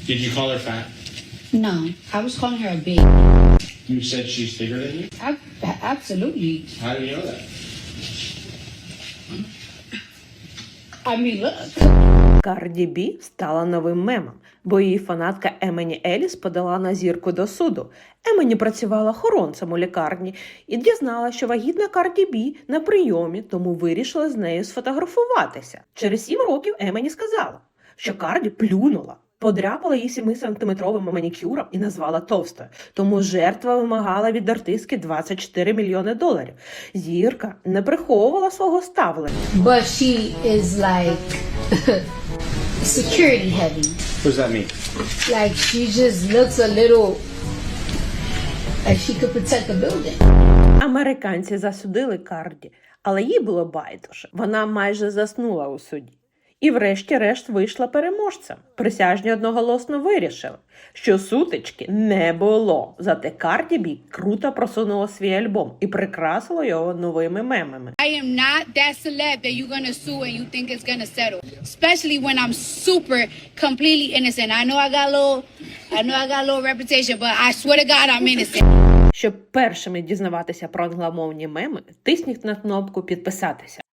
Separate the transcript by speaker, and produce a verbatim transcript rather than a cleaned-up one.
Speaker 1: Did you call her fat?
Speaker 2: No, I was calling her a baby.
Speaker 1: You said she's bigger than you?
Speaker 2: I, absolutely.
Speaker 1: How do you know that?
Speaker 2: I mean, look.
Speaker 3: Карді Бі стала новим мемом, бо її фанатка Емені Еліс подала на зірку до суду. Емені працювала охоронцем у лікарні і дізналася, що вагітна Карді Бі на прийомі, тому вирішила з нею сфотографуватися. Через сім років Емені сказала, що Карді плюнула, подряпала її семисантиметровим манікюром і назвала товстою. Тому жертва вимагала від артистки двадцять чотири мільйони доларів. Зірка не приховувала свого ставлення.
Speaker 2: But she is like security heavy.
Speaker 1: What does that mean?
Speaker 2: Like she just looks a little like she could protect the building.
Speaker 3: Американці засудили Карді, але їй було байдуже. Вона майже заснула у суді. І врешті-решт вийшла переможцем. Присяжні одноголосно вирішили, що сутички не було. Зате Карді Бі круто просунула свій альбом і прикрасила його новими мемами.
Speaker 4: I am not that celeb that you're gonna sue and you think it's gonna settle. Especially when I'm super completely innocent. I know I got a little, I know I got a little reputation, but I swear to God I'm innocent.
Speaker 3: Щоб першими дізнаватися про англомовні меми, тисніть на кнопку «Підписатися».